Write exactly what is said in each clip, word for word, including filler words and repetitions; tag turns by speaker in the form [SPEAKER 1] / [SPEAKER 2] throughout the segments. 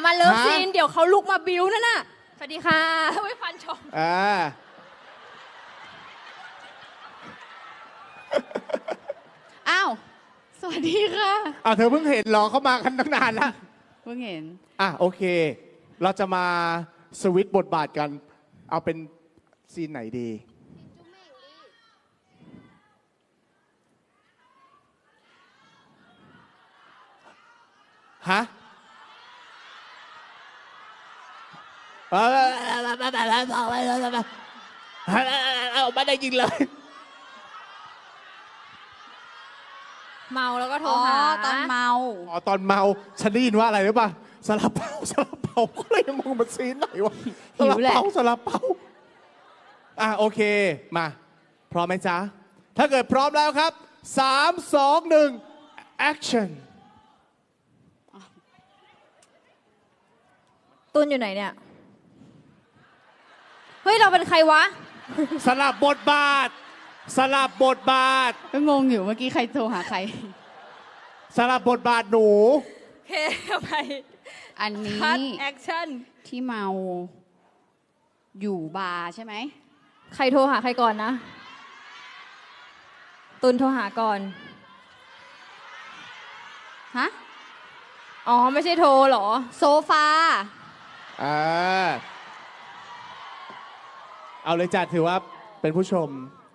[SPEAKER 1] มาเลิฟซีนเดี๋ยวเขาลุกมาบิวนั่นน่ะสวัสดีค่ะไว้ฟันชม
[SPEAKER 2] อ่า
[SPEAKER 3] อ้าวสวัสดีค่ะ
[SPEAKER 2] อ้าวเธอเพิ่งเห็นเหรอเขามากันตั้งนานแล้ว
[SPEAKER 3] เพิ่งเห็น
[SPEAKER 2] อ่ะโอเคเราจะมาสวิตช์บทบาทกันเอาเป็นซีนไหนดีฮะเอาไม่ได้ยินเลย
[SPEAKER 1] เมาแล้วก็โทรหา
[SPEAKER 3] ตอนเมา
[SPEAKER 2] อ๋อตอนเมาฉันได้ยินว่าอะไรหรือเปล่าซาลาเปาซาลาเปาก็เลยมองมันซีนไหนวะซาลาเปาซาลาเปาอ่ะโอเคมาพร้อมไหมจ๊ะถ้าเกิดพร้อมแล้วครับสามสองหนึ่ง action
[SPEAKER 1] ตุนอยู่ไหนเนี่ยเฮ้ยเราเป็นใครวะ
[SPEAKER 2] สลับบทบาทสลับบทบาท
[SPEAKER 3] ก็งงอยู่เมื่อกี้ใครโทรหาใคร
[SPEAKER 2] สลับบทบาทหนู
[SPEAKER 1] เคไป
[SPEAKER 3] อันนี้
[SPEAKER 1] คัทแอคชั่น
[SPEAKER 3] ที่เมาอยู่บาร์ใช่ไหม
[SPEAKER 1] ใครโทรหาใครก่อนนะตุนโทรหาก่อน
[SPEAKER 3] ฮะ
[SPEAKER 1] อ๋อไม่ใช่โทรหรอ
[SPEAKER 3] โซฟา
[SPEAKER 2] อ่าเอาเลยจัดถือว่าเป็นผู้ชม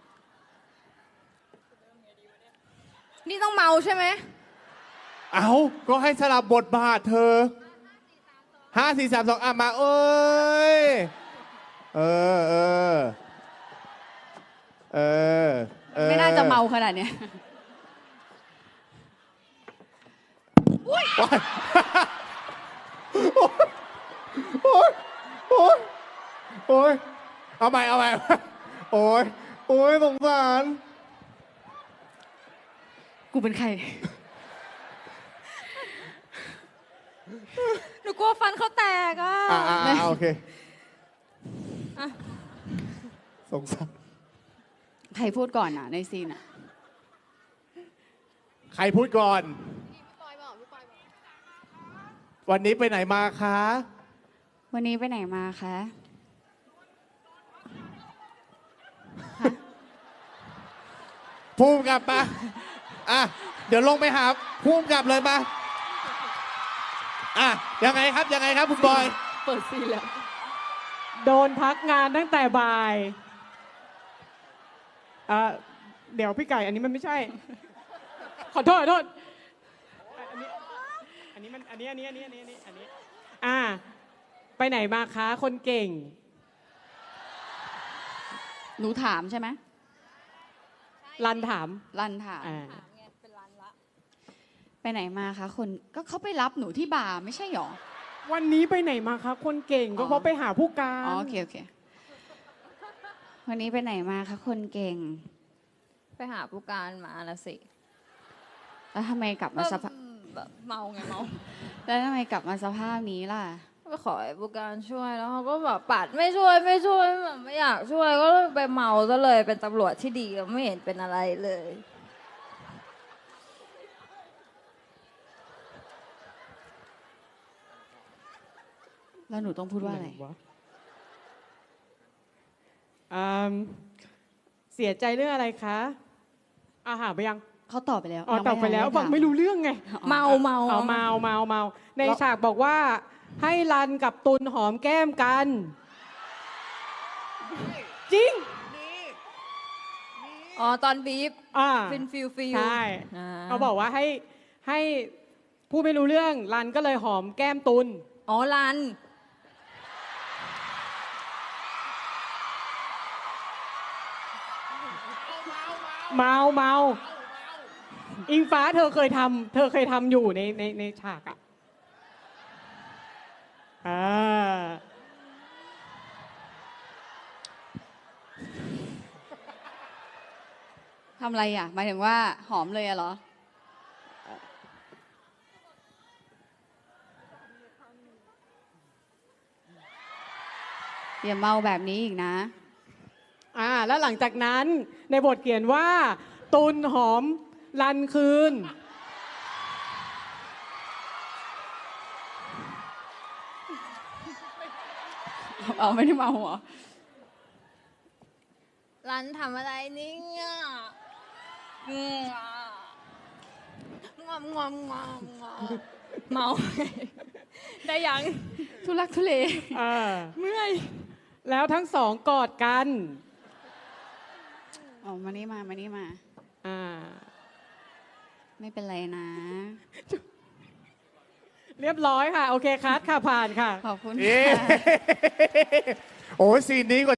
[SPEAKER 1] นี่ต้องเมาใช่ไหม
[SPEAKER 2] เอาก็ให้สลับบทบาทเธอห้าสี่สามสองอ่ะมาเอ้ยเออเออเออ
[SPEAKER 3] ไม่น่าจะเมาขนาดเนี้ย
[SPEAKER 2] โอ๊ยโอ๊ยโอ๊ยโอ๊ยเอาใหม่เอาใหม่โอ๊ยโอ๊ยสงสาร
[SPEAKER 3] กูเป็นใคร
[SPEAKER 1] หนูกลัวฟันเขาแตกอ่ะ
[SPEAKER 2] อ่าอ่าโอเคสงสาร
[SPEAKER 3] ใครพูดก่อนอ่ะในซีนอ่ะ
[SPEAKER 2] ใครพูดก่อนวันนี้ไปไหนมาคะ
[SPEAKER 3] วันนี้ไปไหนมาคะ
[SPEAKER 2] ภูมิกลับมาอ่ะเดี๋ยวลงไปหาภูมิกลับเลยมาอ่ะยังไงครับยังไงครับคุณบอย
[SPEAKER 1] เปิดซีนแล้ว
[SPEAKER 4] โดนพักงานตั้งแต่บ่ายอ่ะเดี๋ยวพี่ไก่อันนี้มันไม่ใช่ขอโทษขอโทษอันนี้อันนี้มันอันนี้อันนี้อันนี้อันนี้อันนี้อ่าไปไหนมาคะคนเก่ง
[SPEAKER 3] หนูถามใช่ไหม
[SPEAKER 4] รันถาม
[SPEAKER 3] รันถามไปไหนมาคะคนก็เขาไปรับหนูที่บาร์ไม่ใช่หรอ
[SPEAKER 4] วันนี้ไปไหนมาคะคนเก่งก็เขาไปหาผู้การ
[SPEAKER 3] อ๋อโอเคโอเควันนี้ไปไหนมาคะคนเก่ง
[SPEAKER 1] ไปหาผู้การมาละสิ
[SPEAKER 3] แล้วทำไมกลับมาสภาพ
[SPEAKER 1] เมาไงเมา
[SPEAKER 3] แล้วทำไมกลับมาสภาพนี้ล่ะ
[SPEAKER 1] ไปขอให้ผู้การช่วยแล้วเขาก็แบบปัดไม่ช่วยไม่ช่วยแบบไม่อยากช่วยก็ไปเมาซะเลยเป็นตำรวจที่ดีไม่เห็นเป็นอะไรเลย
[SPEAKER 3] แล้วหนูต้องพูดว่าอะไร
[SPEAKER 4] เสียใจเรื่องอะไรคะอาหาไปยัง
[SPEAKER 3] เขาตอบไปแล้ว
[SPEAKER 4] อ๋อตอบไปแล้วฟังไม่รู้เรื่องไง
[SPEAKER 1] เมาเมา
[SPEAKER 4] เอาเมาเมาเมาในฉากบอกว่าให้รันกับตุลหอมแก้มกันจริง
[SPEAKER 1] อ๋อตอนบีฟฟินฟิลฟิล
[SPEAKER 4] ใช่เขาบอกว่าให้ให้ผู้ไม่รู้เรื่องรันก็เลยหอมแก้มตุล
[SPEAKER 1] อ๋อรัน
[SPEAKER 4] เมาเมาอิงฟ้าเธอเคยทำเธอเคยทำอยู่ในในในฉากอ่ะอ่า
[SPEAKER 3] ทำอะไรอ่ะหมายถึงว่าหอมเลยอะเหรออย่าเมาแบบนี้อีกนะ
[SPEAKER 4] อ่าแล้วหลังจากนั้นในบทเขียนว่าตุลหอมรันคืน
[SPEAKER 3] เอาไม่ได้เมาเหรอ
[SPEAKER 1] รันทำอะไรนี่งอ่ะงอมงอมงอมงอมเมาได้ยัง
[SPEAKER 3] ทุลักทุเล
[SPEAKER 4] เออ
[SPEAKER 1] เมื่อย
[SPEAKER 4] แล้วทั้งสองกอดกัน
[SPEAKER 3] อ๋อมานี่มามานี่มา
[SPEAKER 4] อ่า
[SPEAKER 3] ไม่เป็นไรนะ
[SPEAKER 4] เรียบร้อยค่ะ โอเคคัดค่ะผ่านค่ะ
[SPEAKER 3] ขอบคุณ
[SPEAKER 2] เอ๊ะ
[SPEAKER 3] ค่ะ
[SPEAKER 2] โอ้ยซีนนี้กว่า